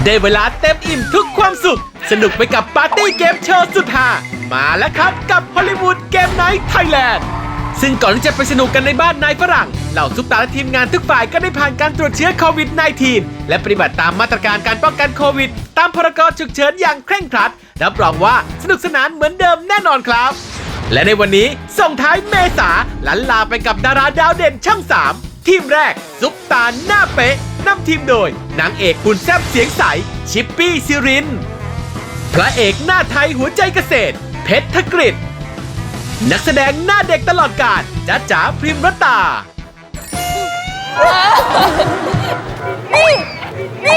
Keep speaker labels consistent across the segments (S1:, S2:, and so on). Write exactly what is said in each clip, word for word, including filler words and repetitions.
S1: ได้เวลาเต็มอิ่มทุกความสุขสนุกไปกับปาร์ตี้เกมโชว์สุดฮามาแล้วครับกับฮอลลีวูดเกมไนท์ไทยแลนด์ซึ่งก่อนที่จะไปสนุกกันในบ้านนายฝรั่งเหล่าซุปตาและทีมงานทุกฝ่ายก็ได้ผ่านการตรวจเชื้อโควิด สิบเก้า และปฏิบัติตามมาตรการการป้องกันโควิดตามพรกฉุกเฉินอย่างเคร่งครัดรับรองว่าสนุกสนานเหมือนเดิมแน่นอนครับและในวันนี้ส่งท้ายเมษาลันลาไปกับดาราดาวเด่นช่องสามทีมแรกซุปตาหน้าเป๊ะนำทีมโดยนางเอกหุ่นแซ่บเสียงใสชิปปี้ซิรินพระเอกหน้าไทยหัวใจเกษตรเพชรธกฤษนักแสดงหน้าเด็กตลอดกาลจ๊ะจ๋าพริมรตา
S2: นี่นี่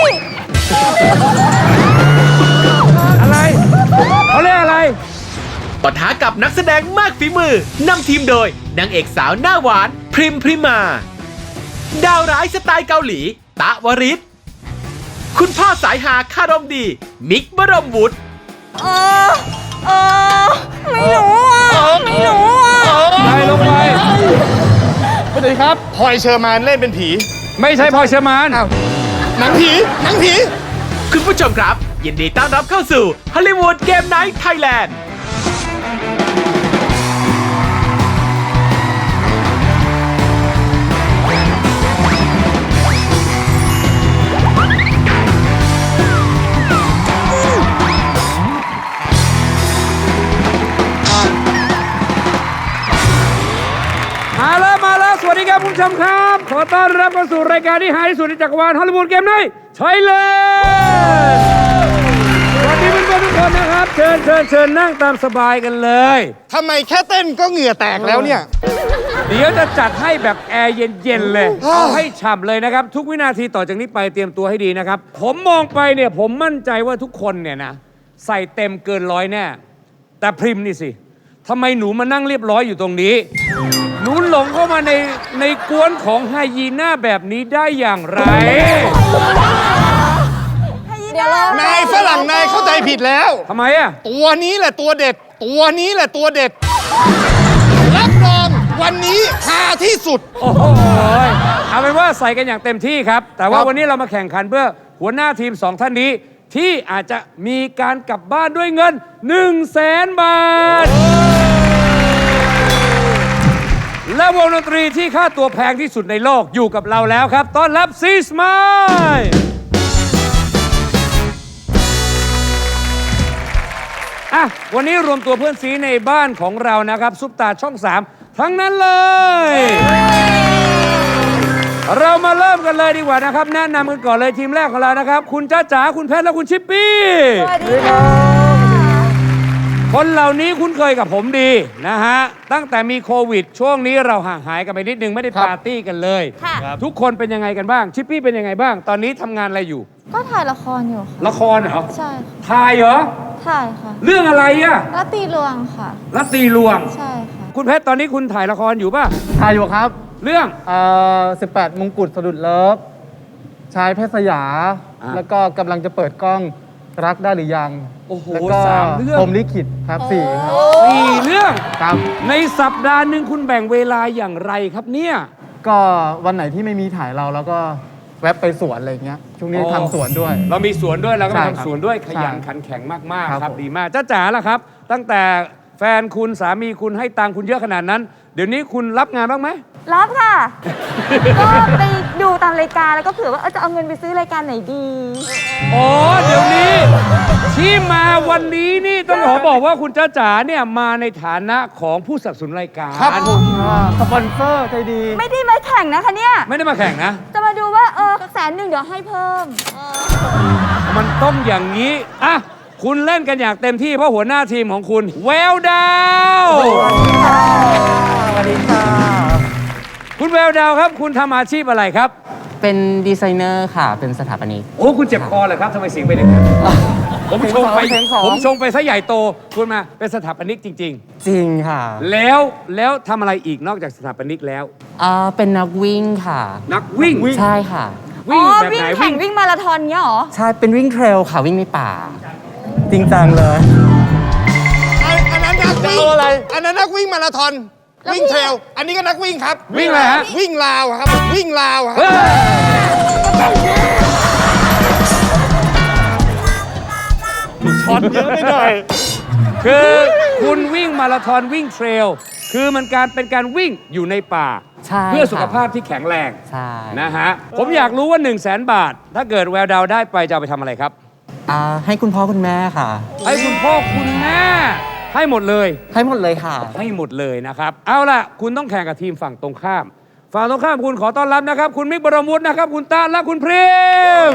S3: อะไรเขาเรียกอะไร
S1: ปะทะกับนักแสดงมากฝีมือนำทีมโดยนางเอกสาวหน้าหวานพริมพริมาดาวร้ายสไตล์เกาหลีตะวริศคุณพ่อสายหาคารมดีมิกบรมวุฒิ
S2: เออเออไม่รู้อ่ะไม่รู้อ่ะ
S3: ไปลงไป
S4: สวัสดีครับพลอยเชอร์มานเล่นเป็นผี
S3: ไม่ใช่พลอยเชอร์มาน
S4: หนังผีหนังผี
S1: คุณผู้ชมครับยินดีต้อนรับเข้าสู่ฮอลลีวูดเกมไนท์ไทยแลนด์
S3: มาแล้วมาแล้วสวัสดีครับคุณผู้ชมครับขอต้อนรับเข้าสู่รายการที่หาที่สุดในจักรวาลฮอลลีวูดเกมไนท์ไทยแลนด์สวัสดีเพื่อนๆทุกคนนะครับเชิญเชิญเชิญนั่งตามสบายกันเลย
S4: ทำไมแค่เต้นก็เหงื่อแตกแล้วเนี่ย
S3: เดี๋ยวจะจัดให้แบบแอร์เย็นๆเลยเอาให้ฉ่ำเลยนะครับทุกวินาทีต่อจากนี้ไปเตรียมตัวให้ดีนะครับผมมองไปเนี่ยผมมั่นใจว่าทุกคนเนี่ยนะใส่เต็มเกินร้อยแน่แต่พริมนี่สิทำไมหนูมานั่งเรียบร้อยอยู่ตรงนี้หนูหลงเข้ามาในในกวนของไฮยีน่าแบบนี้ได้อย่างไร
S2: เดี๋ยวน
S4: ายฝรั่งนายเข้าใจผิดแล้ว
S3: ทำไมอะ
S4: ตัวนี้แหละตัวเด็ดตัวนี้แหละตัวเด็ดรับรองวันนี้ฮาที่สุด
S3: โอ้โหเอาเป็นว่าใส่กันอย่างเต็มที่ครับแต่ว่าวันนี้เรามาแข่งขันเพื่อหัวหน้าทีมสองท่านนี้ที่อาจจะมีการกลับบ้านด้วยเงินหนึ่งแสนบาทและวงดนตรีที่ค่าตัวแพงที่สุดในโลกอยู่กับเราแล้วครับต้อนรับซีสมายอ่ะวันนี้รวมตัวเพื่อนซีในบ้านของเรานะครับซุปตาช่องสามทั้งนั้นเลยเรามาเริ่มกันเลยดีกว่านะครับแนะนำกันก่อนเลยทีมแรกของเรานะครับคุณจ้าจ๋าคุณเพชรและคุณชิปปี้
S2: สวัสดีครับ
S3: คนเหล่านี้คุ้นเคยกับผมดีนะฮะตั้งแต่มีโควิดช่วงนี้เราห่างหายกันไปนิดนึงไม่ได้ปาร์ตี้กันเลยทุกคนเป็นยังไงกันบ้างชิปปี้เป็นยังไงบ้างตอนนี้ทำงานอะไรอยู่
S2: ก็ถ่ายละครอยู่ค่ะ
S3: ละครเหรอ
S2: ใช่
S3: ถ่ายเหรอ
S2: ถ่ายค่ะ
S3: เรื่องอะไรอะ
S2: รัตตีลวงค่ะ
S3: รัตตีลวง
S2: ใช่ค่ะ
S3: คุณเพชรตอนนี้คุณถ่ายละครอยู่ป่ะ
S5: ถ่ายอยู่ครับ
S3: เรื่อง
S5: เอ่อสิบแปดมงกุฎสะดุดเลิฟชายเพชรสยาแล้วก็กำลังจะเปิดกล้องรักได้หรือยัง
S3: โอ้โห
S5: แล้วก็
S3: สามเรื่อง
S5: พรหมลิขิตครับสี่ครับ
S3: สี่เรื่อง
S5: ครับ
S3: ในสัปดาห์หนึ่งคุณแบ่งเวลาอย่างไรครับเนี่ย
S5: ก็วันไหนที่ไม่มีถ่ายเราแล้วก็แวะไปสวนอะไรเงี้ยช่วงนี้ทำสวนด้วย
S3: เรามีสวนด้วยเราก็ทำสวนด้วยขยัน
S5: ใช่
S3: ขันแข็งมาก
S5: ครั
S3: ๆ
S5: บ
S3: ครับดีมากจ้าจ๋าล่ะครับ ตั้งแต่แฟนคุณสามีคุณให้ตังค์คุณเยอะขนาดนั้น เดี๋ยวนี้คุณรับงานบ้างไหม
S2: รับค่ะ ก็ไปดูตามรายการแล้วก็เผื่อว่าจะเอาเงินไปซื้อรายการไหนดี
S3: อ๋อเดี๋ยวนี้ที่มาวันนี้นี่ต้องขอบอกว่าคุณจ้าจ๋าเนี่ยมาในฐานะของผู้สนับสนุนรายการ
S5: ครับผมสปอนเซอร์ใจดี
S2: ไม่ได้มาแข่งนะคะเนี่ย
S3: ไม่ได้มาแข่งนะ
S2: จะมาดูว่าเออแสนหนึ่งเดี๋ยวให้เพิ่ม
S3: มันต้องอย่างนี้อ่ะคุณเล่นกันอย่างเต็มที่เพราะหัวหน้าทีมของคุณแววดาว
S5: สวัสดีค่ะ
S3: คุณแววดาวครับคุณทำอาชีพอะไรครับ
S6: เป็นดีไซเนอร์ค่ะเป็นสถาปนิก
S3: โอ้คุณเจ็บคอเหรอครับทำไมเสียงเป็นอย่างนั้นผมชงไปผมชงไปซะใหญ่โตคุณมาเป็นสถาปนิกจริงๆ
S6: จริงค่ะ
S3: แล้วแล้วทำอะไรอีกนอกจากสถาปนิกแล้ว
S6: อ่าเป็นนักวิ่งค่ะ
S3: นักวิ่ง
S6: ใช่ค่ะ
S3: วิ่งแบบไหน
S2: วิ่งแข่งวิ่งมาราธอนเงี้ยหรอ
S6: ใช่เป็นวิ่งเทรลค่ะวิ่งในป่าจริงจังเลย
S4: อันนั้นนักวิ่งอะไรอันนั้นนักวิ่งมาราธอนวิ่งเทรลอันนี้ก็นักวิ่งครับ
S3: วิ่งอะไรฮะ
S4: วิ่งลาวครับวิ่งลาวครับ
S7: ช็อตเยอะไปหน่อย
S3: คือคุณวิ่งมาราธอนวิ่งเทรลคือมันการเป็นการวิ่งอยู่ในป่า
S6: ใช่
S3: เพื่อสุข
S6: ค่ะ
S3: ภาพที่แข็งแรง
S6: ใช่
S3: นะฮะผมอยากรู้ว่า 1 0 0 0 0แสนบาท ถ้าเกิดแววดาวได้ไปจะเอาไปทำอะไรครับ
S6: อ่าให้คุณพ่อคุณแม่ค่ะ
S3: ให้คุณพ่อคุณแม่ให้หมดเลย
S6: ให้หมดเลยค่ะ
S3: ให้หมดเลยนะครับ เอาล่ะ คุณต้องแข่งกับทีมฝั่งตรงข้าม ฝั่งตรงข้ามคุณขอต้อนรับนะครับ คุณมิกบรมวุฒินะครับ คุณตาและคุณพริม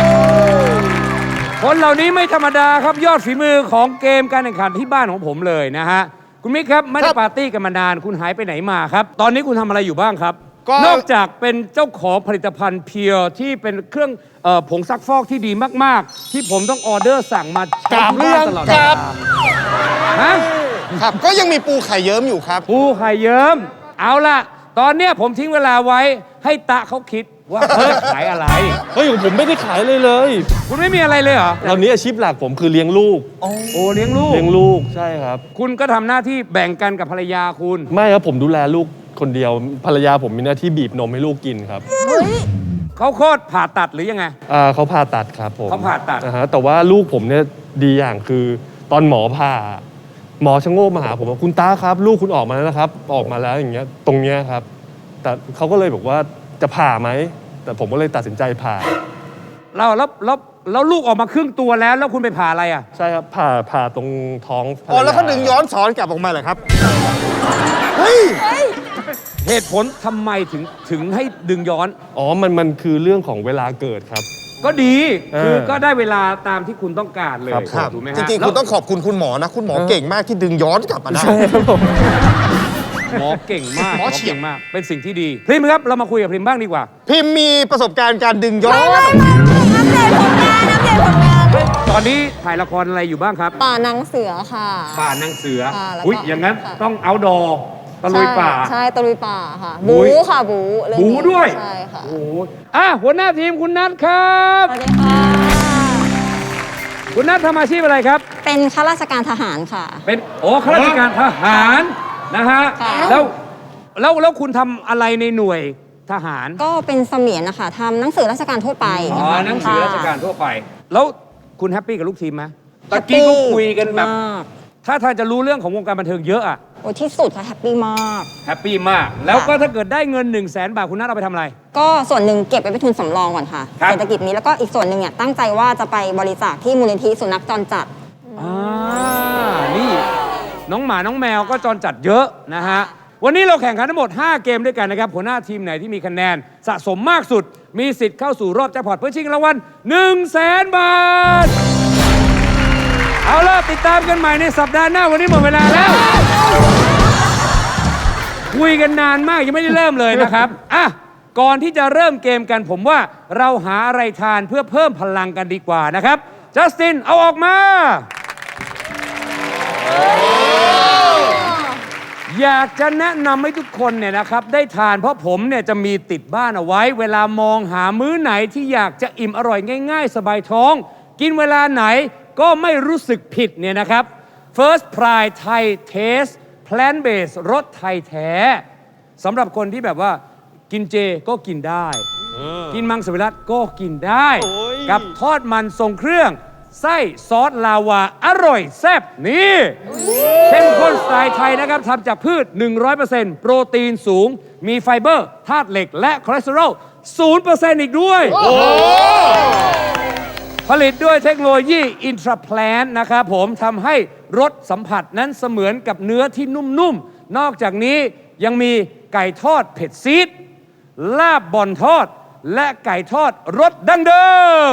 S3: คนเหล่านี้ไม่ธรรมดาครับยอดฝีมือของเกมการแข่งขันที่บ้านของผมเลยนะฮะคุณมิกครับไม่ได้ปาร์ตี้กันมานานคุณหายไปไหนมาครับ ตอนนี้คุณทำอะไรอยู่บ้างครับ
S4: ก็
S3: นอกจากเป็นเจ้าของผลิตภัณฑ์เพียวที่เป็นเครื่องเอ่อผงซักฟอกที่ดีมากๆ ที่ผมต้องออเดอร์สั่งมาใช้ที่บ้านตลอดเว
S4: กรา
S3: ลา
S4: บ
S3: ฮะ
S4: ครับ ก็ยังมีปูไข่เยิ้มอยู่ครับ
S3: ปูไข่เยิ้มเอาล่ะ ตอนเนี้ยผมทิ้งเวลาไว้ให้ตะเขาคิดว่าเขาจะขายอะไร
S7: เฮ้ยผมไม่ได้ขายเลยเลย
S3: คุณไม่มีอะไรเลยเหรอ
S7: ตอนนี้อาชีพหลักผมคือเลี้ยงลูก
S3: โอ้เลี้ยงลูก
S7: เลี้ยงลูกใช่ครับ
S3: คุณก็ทำหน้าที่แบ่งกันกับภรรยาคุณ
S7: ไม่ครับผมดูแลลูกคนเดียวภรรยาผมมีหน้าที่บีบนมให้ลูกกินครับ
S3: เขาโคตรผ่าตัดหรือยังไง
S7: อ่าเขาผ่าตัดครับผม
S3: เขาผ่าตัด
S7: นะฮะแต่ว่าลูกผมเนี่ยดีอย่างคือตอนหมอผ่าหมอชะโงกมาหาผมว่าคุณตาครับ ลูกคุณออกมาแล้วนะครับ ออกมาแล้วอย่างเงี้ยตรงเนี้ยครับ แต่เขาก็เลยบอกว่าจะผ่าไหมแต่ผมก็เลยตัดสินใจผ่า
S3: เราแล้วแล้วแล้วลูกออกมาครึ่งตัวแล้วแล้วคุณไปผ่าอะไรอ่ะ
S7: ใช่ครับผ่าผ่าตรงท้องภรร
S4: อ๋อ
S7: ยา
S4: แล้วเขาดึงย้อนสอนกลับออกมาเหรอครับ เฮ้ย
S3: เหตุผลทำไมถึงถึงให้ดึงย้อน
S7: อ๋อมันมันคือเรื่องของเวลาเกิดครับ
S3: ก็ดี
S7: เออ
S3: คือก็ได้เวลาตามที่คุณต้องการเลย
S7: ครับครับ
S3: ถูกไหมฮะ
S4: จริงๆ คุณต้องขอบคุณคุณหมอนะ คุณหมอเก่งมากที่ดึงย้อนกลับมาได้
S7: ใช่ครับผม
S3: หมอเก่งมาก
S4: หมอเฉียบ
S3: ก่งมาก เป็นสิ่งที่ดีพริมครับเรามาคุยกับพริมบ้างดีกว่า
S4: พิมพ์มีประสบการณ์การดึงย้อน
S2: อัปเดตผลงานอัปเดตผลงาน
S3: ตอนนี้ถ่ายละครอะไรอยู่บ้างครับ
S8: ป่านางเสือค่ะ
S3: ป่านางเสือ
S8: ค่ะแล้วก็
S3: อุ้ยอย่างนั้น
S8: ค่ะ
S3: ต้องเอาดอตะลุยป่า
S8: ใช่ใช่ตะลุยป่าค่ะ
S3: บู๊
S8: บูค่ะบูเรื่อง
S3: บู
S8: นี้
S3: ด้วย
S8: ใช่ค่ะ
S3: โอ้โหอ่ะหัวหน้าทีมคุณนัทครับ
S8: สวัสดีค่ะ
S3: คุณนัททำอาชีพอะไรครับ
S8: เป็นข้าราชการทหารค่ะ
S3: เป็นโอ้ข้าราชการทหารนะฮะ
S8: ค่ะ
S3: แล้วแล้วแล้วคุณทำอะไรในหน่วยทหาร
S8: ก็เป็นเสมียนนะคะทำหนังสือราชการทั่วไป
S3: อ๋อหนังสือราชการ
S8: ค่ะ
S3: ทั่วไป แล้วคุณแฮปปี้กับลูกทีมไหมตะกี้ก็คุยกันแบบ
S8: มาก
S3: ถ้าทางจะรู้เรื่องของวงการบันเทิงเยอะอะ
S8: โอ้ที่สุดค่ะแฮปปี้มาก
S3: แฮปปี้มาก แล้วก็ถ้าเกิดได้เงิน1นึ่งแสนบาทคุณนัทเอาไปทำอะไร
S8: ก็ส่วนหนึ่งเก็บไว้เป็นทุนสำรองก่อนค่ะ
S3: ครับ
S8: เศรษฐกิจนี้แล้วก็อีกส่วนหนึ่งเนี่ยตั้งใจว่าจะไปบริจาคที่มูลนิธิสุนัขจรจัด
S3: อ่านี่น้องหมาน้องแมวก็จรจัดเยอะนะฮะ วันนี้เราแข่งขันทั้งหมด ห้า เกมด้วยกันนะครับ หัวหน้าทีมไหนที่มีคะแนนสะสมมากสุด มีสิทธิ์เข้าสู่รอบแจ็คพอตเพื่อชิงรางวัล1นึ่งแสนบาท เอาล่ะ ติดตามกันใหม่ในสัปดาห์หน้า วันนี้หมดเวลาแล้ว คุยกันนานมากยังไม่ได้เริ่มเลยนะครับ อ่ะ ก่อนที่จะเริ่มเกมกันผมว่าเราหาอะไรทานเพื่อเพิ่มพลังกันดีกว่านะครับ จัสติน เอาออกมา อยากจะแนะนำให้ทุกคนเนี่ยนะครับได้ทานเพราะผมเนี่ยจะมีติดบ้านเอาไว้ เวลามองหามื้อไหนที่อยากจะอิ่มอร่อยง่าย ๆ สบายท้อง กินเวลาไหนก็ไม่รู้สึกผิดเนี่ยนะครับ First Pride Thai Taste Plant Based รสไทยแท้สำหรับคนที่แบบว่ากินเจก็กินได้ กินมังสวิรัตก็กินได้ กับทอดมันทรงเครื่องไส้ซอสลาวาอร่อยแซ่บนี่เข้มข้นสไตล์ไทยนะครับทำจากพืช หนึ่งร้อยเปอร์เซ็นต์ โปรตีนสูง มีไฟเบอร์ธาตุเหล็กและคอเลสเตอรอล ศูนย์เปอร์เซ็นต์ อีกด้วย ผลิตด้วยเทคโนโลยีอินทราแพลนนะครับผมทำให้รสสัมผัสนั้นเสมือนกับเนื้อที่นุ่มๆ นอกจากนี้ยังมีไก่ทอดเผ็ดซีดลาบบอนทอด และไก่ทอดรสดั้งเดิม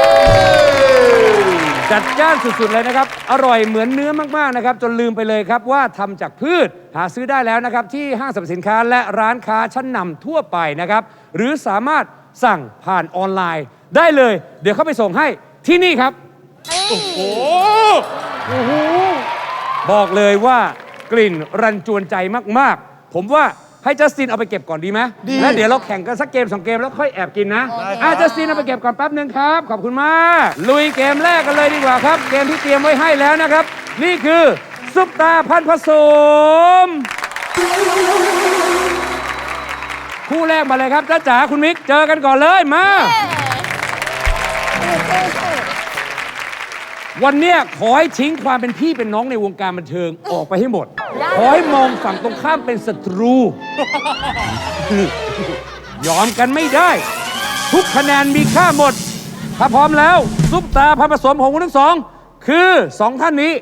S3: จัดจ้านสุดๆเลยนะครับ อร่อยเหมือนเนื้อมากๆนะครับ จนลืมไปเลยครับว่าทำจากพืชหาซื้อได้แล้วนะครับ ที่ห้างสรรพสินค้าและร้านค้าชั้นนำทั่วไปนะครับ หรือสามารถสั่งผ่านออนไลน์ได้เลย เดี๋ยวเข้าไปส่งให้ที่นี่ครับ โอ้โหบอกเลยว่ากลิ่นรันจวนใจมากๆ ผมว่าให้จัสตินเอาไปเก็บก่อนดีไหมแล้วเดี๋ยวเราแข่งกันสักเกมสองเกมแล้วค่อยแอบกินนะอ่ะจัสตินเอาไปเก็บก่อนแป๊บนึงครับ ขอบคุณมาก ลุยเกมแรกกันเลยดีกว่าครับ เกมที่เตรียมไว้ให้แล้วนะครับ นี่คือซุปตาพันธุ์ผสม คู่แรกมาเลยครับจ้าจ๋าคุณมิกเจอกันก่อนเลยมาวันเนี้ยขอให้ทิ้งความเป็นพี่เป็นน้องในวงการบันเทิงออกไปให้หมด ขอให้มองฝั่งตรงข้ามเป็นศัตรู ยอมกันไม่ได้ ทุกคะแนนมีค่าหมด ถ้าพร้อมแล้ว ซุปตาพันผสมของคุณทั้งสอง คือสองท่านนี้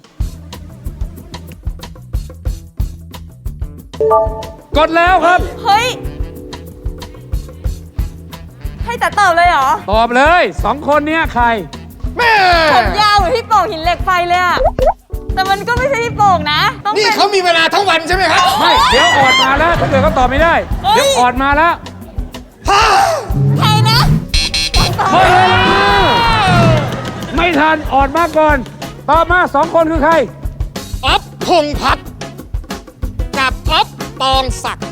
S3: กดแล้วครับ
S2: เฮ้ย ให้แต่ตอบเลยเหรอ
S3: ตอบเลยสองคนเนี้ยใคร
S4: แม่
S2: ผมยาวเหมือนพี่โป่งหินเหล็กไฟเลยอะแต่มันก็ไม่ใช่พี่โป่งนะ ต้อง
S4: นี่
S2: เป็น
S4: เขามีเวลาทั้งวันใช่ไหมครับ
S3: ไม่ เดี๋ยวออดมาแล้ว ถ้าเกิดเขาตอบไม่ได้
S2: เฮ้ย
S3: เดี๋ยวออดมาแล้ว
S2: ใครนะ
S3: หมดเวลาไม่ทันออดมาก่อน ตอบมาสองคนคือใคร
S4: อ๊อฟพงษ์พัฒน์กับอ๊อฟปองศักดิ์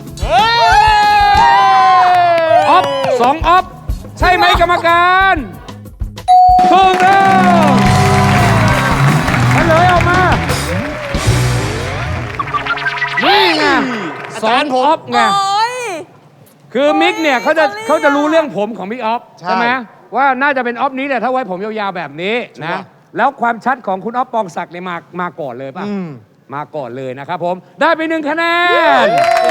S3: ออฟสองออฟใช่ไหมกรรมการถูกต้องเฉลยออกมา นี่ไงสองออฟไง
S2: โอ้ย
S3: คือมิกเนี่ยเขาจะ
S2: โอ้ย
S3: เขาจะรู้เรื่องผมของมิกออฟ
S4: ใช่
S3: ใช่ไหมว่าน่าจะเป็นออฟนี้แหละถ้าไว้ผมยาวๆแบบนี้นะ แล้วความชัดของคุณออฟปองศักดิ์เนี่ยมามาก่อนเลยป่ะ มาก่อนเลยนะครับผม ได้ไปหนึ่งคะแนน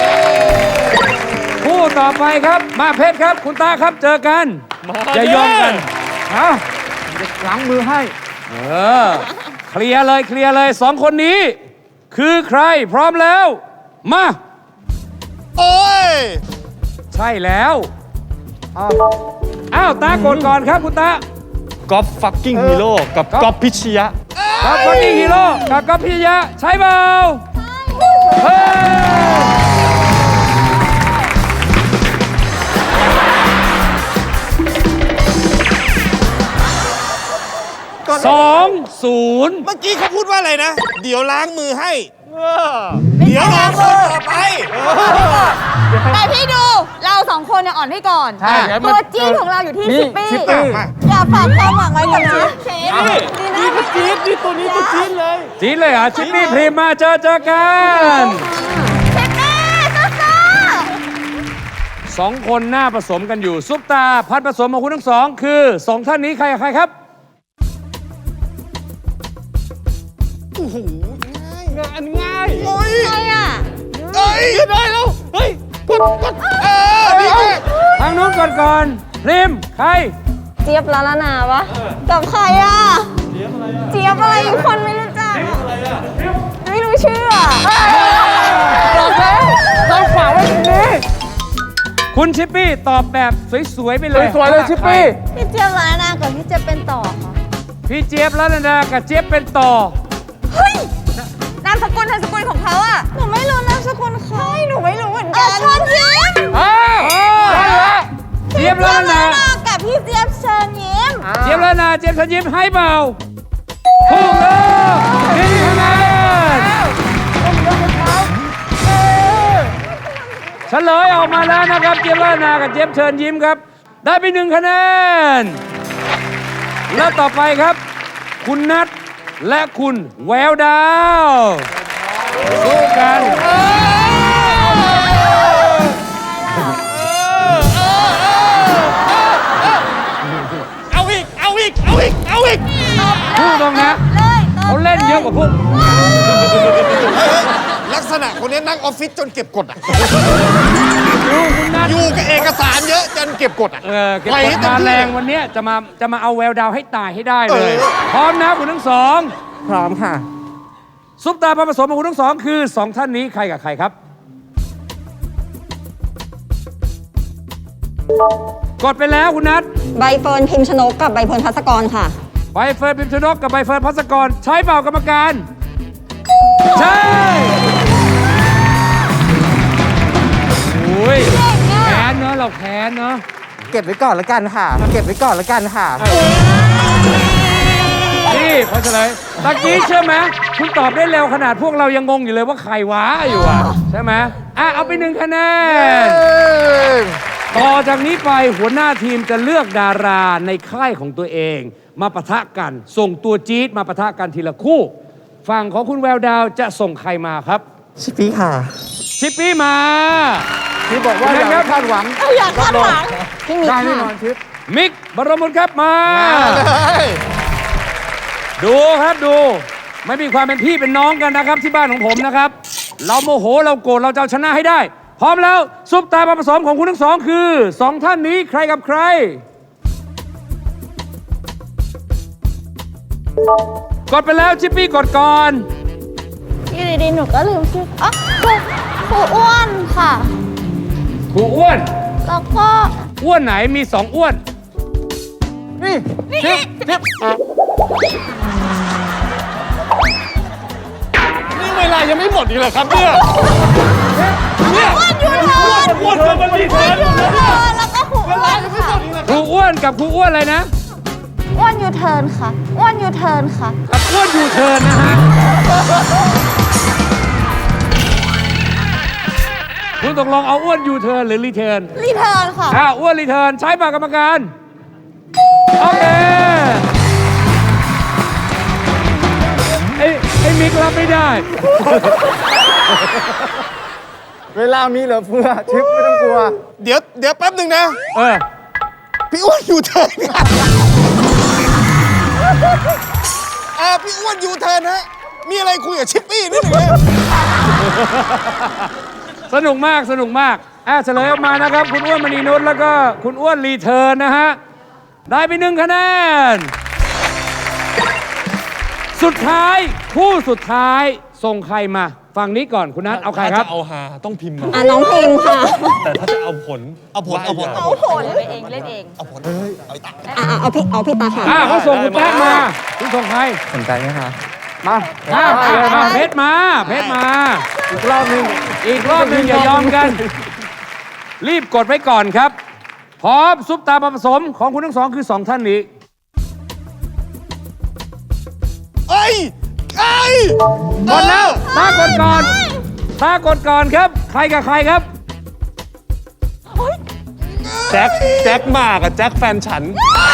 S3: คู่ต่อไปครับ มาเพชรครับ คุณตาครับเจอกันอย่ายอมกันเอา
S5: ล้างมือให้
S3: เออเคลียร์เลยเคลียร์เลยสองคนนี้ คือใครพร้อมแล้ว มา
S4: โอ้ย
S3: ใช่แล้วอ้าวตากดก่อนครับคุณตา
S7: ก๊อฟฟักกิ้งฮีโร่กับก๊อฟพิชยะ
S3: กับคนนี้ฮีโร่กับกับพิยะใช่เปล่าเฮ้ยสองศูนย์
S4: เมื่อกี้เขาพูดว่าอะไรนะ เดี๋ยวล้างมือให้ เดี๋ยวรอคนต่อไป
S2: แต่พี่ดู เราสองคนเนี่ยอ่อนให้ก่อน
S5: ใช่เดี๋ยวมัน
S2: ตัวจี๊ดของเราอยู่ที่
S5: นี่
S2: ชิปปี้
S5: ชิปปี้
S2: อย่าฝากความหวังไว้กับชิปเชฟดีนะ
S5: จี๊ดนี่ตัวนี้ตัวจี๊ดเลย
S3: จีนเลยเหรอ่ะชิปปี้พรีมมาเจอเจอกัน
S2: ชิปปี้สู้
S3: สองคนหน้าผสมกันอยู่ ซุปตาพันผสมของคุณทั้งสอง คือสองท่านนี้ใครกับใครครับ
S5: งานง่าย
S4: โอ้ย
S2: ๆใครอ่ะ
S4: เอ้ยได้แล้ว เฮ้ย กดกดเออนี่ไง
S3: ทางนู้นก่อนก่อนพรีมใคร
S8: เจี๊ยบละละนาวะ
S2: กับใครอ่ะ เจี๊ยบอะไรอ่ะ เจี๊ยบอะไรอีกคนไม่รู้จักอะไม่รู้ชื่ออ่ะ
S5: บอกแล้วเราฝากไว้ตรงนี้
S3: คุณชิปปี้ตอบแบบสวย ๆ ไปเลย
S5: สวยๆเลยชิปปี้
S2: พี่เจี๊ยบร้านนากับพี่เจี๊ยบเป็นต่อค่ะ
S3: พี่เจี๊ยบแล้วนะกับเจี๊ยบเป็นต่อ
S2: เฮ้ย นามสกุลนามสกุลของเขาอ่ะ หนูไม่รู้นามสกุลเขาหนูไม่รู้เหมือนกันชวนยิ้ม
S3: อ้าวเจี๊ยบแล้วนะ
S2: กับพี่เจี๊ยบเชิญยิ้ม
S3: เจี๊ยบแล้วนะเจี๊ยบฉันยิ้มให้เปล่าถูกแล้วนี่คะแนนเฉลยออกมาแล้วนะครับเจี๊ยบแล้วนะกับเจี๊ยบเชิญยิ้มครับ ได้ไปหนึ่งคะแนนแล้วต่อไปครับ คุณนัทและคุณแววดาวสู้กัน
S4: เอาอีก เอาอีก เอาอีก เอาอีก
S3: พูดตรงนะ
S2: เลยตอบ
S3: เขาเล่นเยอะกว่าพวก
S4: ลักษณะคนนี้นั่งออฟฟิศจนเก็บกดอ่ะ
S3: ดูคุณนัท
S4: อยู่กับเอกสารเยอะจนเก็บกดอ่ะ
S3: เออเก็บ
S4: ปล่อย
S3: ก
S4: ให้
S3: ด
S4: เต็
S3: มา
S4: ที่
S3: แรงวันเนี้ยจะมาจะมาเอาแววดาวให้ตายให้ได้เลย
S4: เออ
S3: พร้อมนะคุณทั้งสอง
S5: พร้อมค่ะ
S3: ซุปตาผสมของคุณทั้งสองคือสองท่านนี้ใครกับใครครับ กดไปแล้วคุณนัท
S8: ใบเฟิร์นพิมพ์ชนกกับใบเฟิร์นพัสกรค่ะ
S3: ใบเฟิร์นพิมพ์ชนกกับใบเฟิร์นพัสกร ใช้เปล่ากรรมการ ใช่โอ้ยแค้นเนอะเราแค้นเนอะ
S5: เก็บไว้ก่อนละกันค่ะ เก็บไว้ก่อนละกันค่ะ
S3: นี่พอเฉลยตะกี้เชื่อไหมคุณตอบได้เร็วขนาดพวกเรายังงงอยู่เลยว่าใครวะอยู่อ่ะ ใช่ไหมอ่ะ เอาไปหนึ่งคะแนน ต่อจากนี้ไปหัวหน้าทีมจะเลือกดาราในค่ายของตัวเอง มาปะทะกัน ส่งตัวจี๊ดมาปะทะกันทีละคู่ ฝั่งของคุณแววดาวจะส่งใครมาครับ
S5: ชิปปี้ค่ะ
S3: ชิปปี้มา
S5: ที่บอกว่าอย่าคาดหวัง
S2: อยากคาดหวัง
S8: พี่มิก
S5: ได้แน่
S8: ค่ะ
S5: นอนชิป
S3: มิกบรมบุตรครับมา
S4: มาเลย
S3: ดูครับดู ไม่มีความเป็นพี่เป็นน้องกันนะครับที่บ้านของผมนะครับ เราโมโหเราโกรธเราจะเอาชนะให้ได้ พร้อมแล้วซุปตามาผสมของคุณทั้งสองคือสองท่านนี้ใครกับใคร กดไปแล้วชิปปี้กดก่อน
S2: อยู่ดีๆหนูก็ลืมชื่ออ๋อครูครูอ้วนค่ะ
S3: ครูอ้วน
S2: แล้วก็
S3: อ้วนไหนมีสองอ้วน
S5: นี่
S2: นี่
S4: นี่เวลายังไม่หมดอีกเหรอครับเนี่ย
S2: อ้วนยูเทิร์น
S4: อ้วนเกินไปรีเทิร์น
S2: ยูเทิร์นแล้วก็ครูอ้วนค่ะ
S3: ครูอ้วนกับครูอ้วนอะไรนะ
S2: อ้วนยูเทิร์นค่ะอ้วนยูเทิร์นค่ะ
S3: กับอ้วนยูเทิร์นนะฮะ คุณตกลงเอาอ้วนยูเทิร์นหรือรีเทิร์น
S2: รีเทิร์นค่ะ
S3: อ่าอ้วนรีเทิร์นใช้ปากกรรมการ โอเคไอ้ไอ้มิกรับไม่ได้
S5: เวลามีเหลือเฟือชิปไม่ต้องกลัว
S4: เดี๋ยวเดี๋ยวแป๊บหนึ่งนะ
S3: เออ
S4: พี่อ้วนยูเทิร์นครับอ่าพี่อ้วนยูเทิร์นฮะ มีอะไรคุยกับชิปปี้นิดหนึ่งนะ
S3: สนุกมากสนุกมากอ่ะเฉลยออกมานะครับ คุณอ้วนมณีนุชแล้วก็คุณอ้วนรีเทิร์นนะฮะ ได้ไปหนึ่งคะแนน สุดท้ายคู่สุดท้ายส่งใครมาฝั่งนี้ก่อนคุณนัทเอาใครครับ
S7: ถ้าจะเอาหาต้องพิมพ์มา
S8: อ่ะน้องพิมพ์ค่ะ
S7: แต่ถ้าจะเอาผล
S4: เอาผลเอาผล
S7: ว่
S4: เอา
S7: ย่
S4: ผล
S2: เล่นเองเล่นเอง
S4: เอาผลเอาอีก
S8: อ่ะอ่ะเอาพี่เอาพี่ตาค่ะ
S3: อ่ะเขาส่งคุณแป๊กมา คุณส่งใคร
S6: สนใจไหมคะ
S5: มา
S3: อ่ะมาเพชรมา เพชรมา
S5: อีกรอบหนึง
S3: อีกรอบหนึ่งอย่ายอมกัน รีบกดไว้ก่อนครับ พร้อมซุปตามาผสมของคุณทั้งสองคือสองท่านนี้
S4: เอ้ยเอ้ย
S3: กดแล้วตากดก่อนตากดก่อนครับ ใครกับใครครับ
S7: แจ็คแจ็คหมากกับแจ็คแฟนฉัน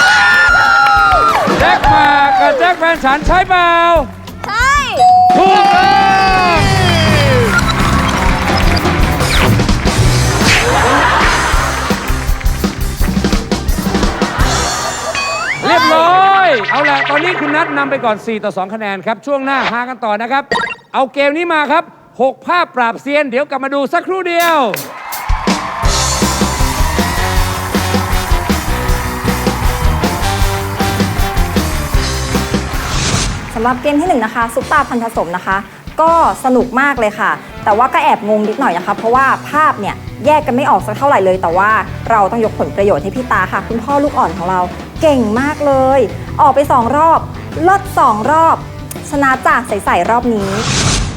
S3: แจ็คมากับแจ็คแฟนฉันใช่เปล่า
S2: ใช่
S3: ถูกต้องเรียบร้อย เอาละตอนนี้คุณนัทนำไปก่อน สี่ ต่อ สอง คะแนนครับ ช่วงหน้าหากันต่อนะครับ เอาเกมนี้มาครับ หก ภาพปราบเซียน เดี๋ยวกลับมาดูสักครู่เดียว
S8: สำหรับเกมที่หนึ่งนะคะซุปตาพันธสมนะคะ ก็สนุกมากเลยค่ะ แต่ว่าก็แอบงงนิดหน่อยนะคะ เพราะว่าภาพเนี่ยแยกกันไม่ออกสักเท่าไหร่เลย แต่ว่าเราต้องยกผลประโยชน์ให้พี่ตาค่ะ คุณพ่อลูกอ่อนของเราเก่งมากเลย ออกไปสองรอบลดสองรอบ ชนะจากใสๆรอบนี้